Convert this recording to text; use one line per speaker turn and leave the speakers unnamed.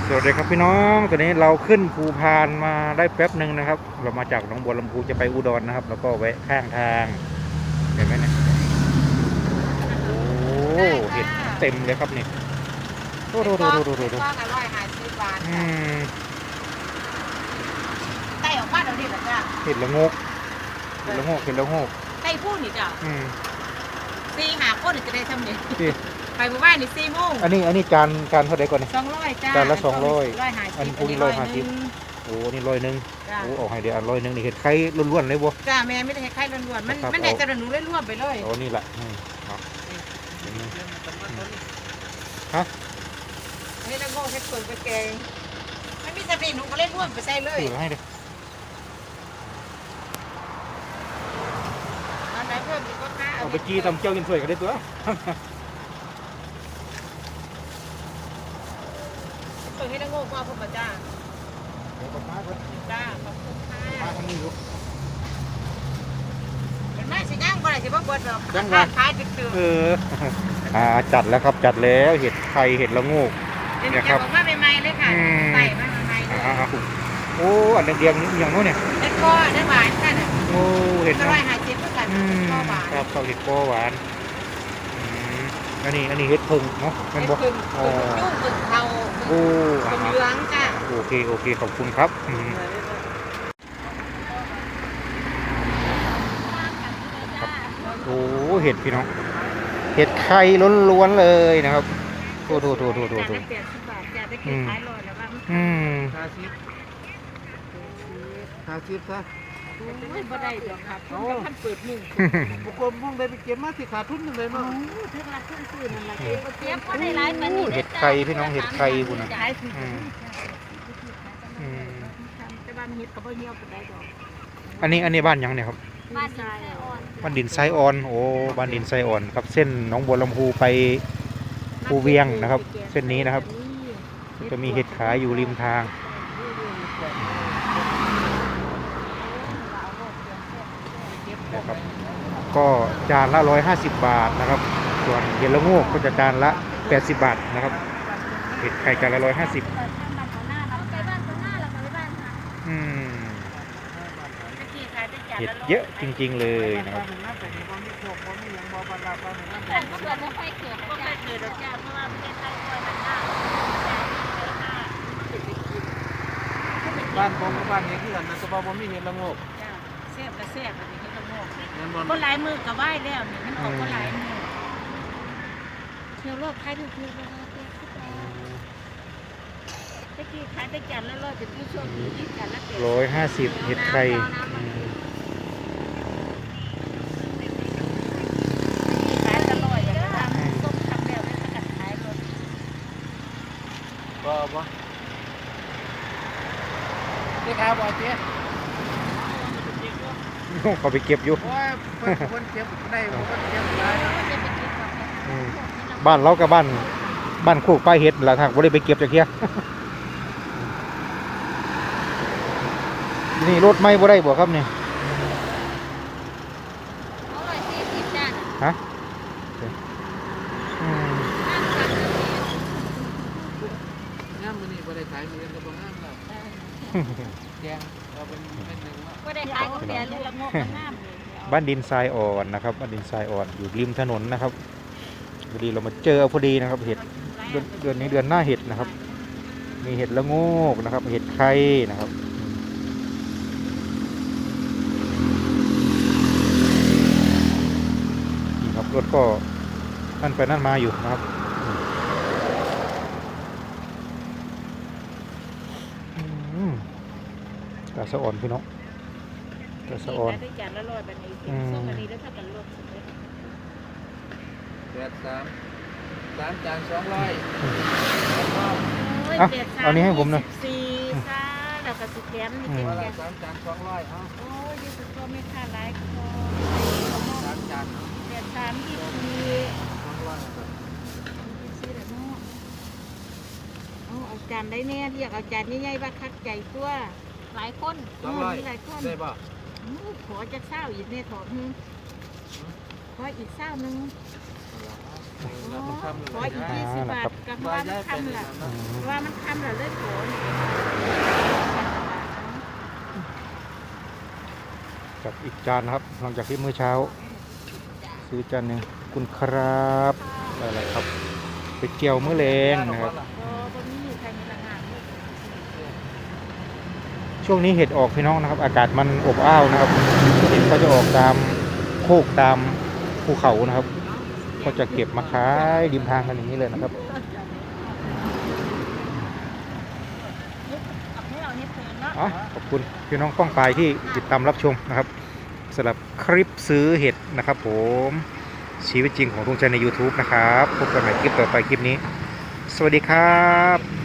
สวัสดีครับพี่น้องตอนนี้เราขึ้นภูพานมาได้แป๊บหนึ่งนะครับเรามาจากหนองบัวลำพูจะไปอุดรนะครับแล้วก็แวะข้างทางเห็นไหมเนี่ยโอ้เห็ดเต็มเลยครับนี่ดู
ก็อร่อย50 บาทไต่ออกบ้านเราดิเหรอจ้า
เห็ดละงก
ไต่พูดนี่จ้า4-5 คนจะได้ทำเนี่ยไปเมื่อวานนี่4 โมง
อันนี้จานเท่าไหร่ก่อนเนี่ย
200จ้า
จานละ
200
อันนี้150โอ้นี่100โอ้เอาให้เดี๋ยว100นี่เห็ดไข่ล้วนๆเลยบ่
จ้าแม่ไม่ได้ให้ไข่ล้วนๆมันได้จะหนูล้วนๆไปเลย
โอ้นี่แหละฮะ
นี่ละโง่เห็ดเปิ่งไปแกงไม่มีสติหนูก็เล่นล้วนไปใส่เลย
ให้ดิ
อันไหนเพิ่มอีกก็ค่า
เอาไปจี้ตำเจียวกินสวยกันได้ตัว
เปิ่งให้ละโง่ก็พบจ้าจ้าขอบคุณค่ะ
มาทางนี้ลูก
เห็นไหมสิย่างบ่ได้สิบ่เบิดหรอกขายตึก
จัดแล้วครับจัดแล้วเห็ดไข่เห็ดละงู
เนี่ยครับบอกว่าใหม่ๆเลยค่ะใส่มาใหม่ๆเลย
โอ้อันเดียงนี่อย่างโน้นเนี่ย
เห็ดก้อเห็ดหวานค่ะ
โอ้เห็ด
150ก็กันก้อหวาน
ครับข้าวเห็ดก้อหวานอันนี้เห็ดพึ่งเนาะเป็นบ่
พึ่งเทา
โอ้
เหลืองจ้ะ
โอเคขอบคุณครับโอ้เห็ดพี่น้องเห็ดไข่ล้วนๆเลยนะครับโอ้
80 บาทจ้ะได้กินขาย100แล้วว่า
50ซะ
บ่ได้ดอกครับท่านเปิด1
บุคคลมุ่งได้ไปเก็บมาสิขาดทุนนึงเลยเนาะ
ถึงละทุนซื้อนั่นล่ะเก็บบ่ได้หลายปานนี้
เห็ดไข่พี่น้องเห็ดไข่พุ่นน่ะ
แต่บ้านเห็ดก็บ่เหี่ยวปานใดดอก
อันนี้บ้านยังเนี่ยครับ
บ้านดินทรายอ่อน
บ้านดินทรายอ่อนโอ้บ้านดินทรายอ่อนครับเส้นหนองบัวลำพูไปภูเวียงนะครับเส้นนี้นะครับจะมีเห็ดขายอยู่ริมทางนะครับก็จานละ150 บาทนะครับส่วนเห็ดละโงกก็จะจานละ80 บาทนะครับเห็ดไข่จานละ150เห็ดเยอะจริงๆเลยนะครับ
บ้านผมกับบ้านนี้คือกันนะแต่ว่าบ่มีเห็ดละโงก
แซ่บก็แซ่บอันนี้เห็ดละโงกก็หลายมือก็ไหว้แล้วนี่มันออกก็หลายมือเที่ยวรอบขายถูกๆนะคะตะกี้ขายได้จานละ100เป็นผู้ช่วงนี้จานละ
150เห็ดไข่
บ่นี่ครับบ่เจ๊
เขาไปเก็บอยู่
คนเก็บได้คนเก็บได้
บ้านเรากับบ้านโคกปลายเห็ดหลังทางบ่ได้ไปเก็บจากเที่ยนี่รถไม่บ่ได้บ่ครับเนี่ยฮะ
น้ำมันนี่บ่ได้ขายมีกันก็บ่งามแล้วแกงเราเป็นนึง
บ่ได้ขายก็แต่ลูกละงกงามเลย
บ้านดินทรายอ่อนนะครับบ้านดินทรายอ่อนอยู่ริมถนนนะครับพอดีเรามาเจอพอดีนะครับเห็ดเดือนนี้เดือนหน้าเห็ดนะครับมีเห็ดละโงกนะครับเห็ดไข่นะครับนี่ครับรถก็นั่นไปนั่นมาอยู่นะครับกระสะอ่อนพี่น้องกระสะอ่อน
ได้จานละ100แบบนี้ส่งอันนี้แล้วถ้ากันลด
3จาน200
เอานี้ให้ผมหน่อย
14ค่ะแล้วก็สิแถมนี่เป็นแค่
3จาน200เอา
โอ้ยยี่สิบตัวไม่ค่าหลายคอ
3จาน
324เอาจานได้แน่เรียกเอาจานใหญ่ๆว่าคักใจตัวหลายคน
200
หลายคน
ได้ป่ะ
ขอจะเศร้าอีกเนี่ยถอดขออีกเศร้านึงขออีก20 บาทกับว่ามันคำละว่ามันคำค่ะเล่นโขน
กับอีกจานนะครับหลังจากที่มื้อเช้า ซื้อจานหนึ่งคุณครับอะไรครับไปเกี่ยวมื้อแรงนะครับ
บนนี้ใครมีละงานลูก
ช่วงนี้เห็ดออกพี่น้องนะครับ อากาศมันอบอ้าวนะครับเห็ดก็จะออกตามโคกตามภูเขานะครับ ก็จะเก็บมาขายริมทางกันอย่างนี้เลยนะครับ
เอาให้เราเนี่ยเพลินเนาะ
อ๋อขอบคุณพี่น้องป้องปายที่ติดตามรับชมนะครับสำหรับคลิปซื้อเห็ดนะครับผมชีวิตจริงของทุงใจใน YouTube นะครับพบกันใหม่คลิปต่อไปคลิปนี้ สวัสดีครับ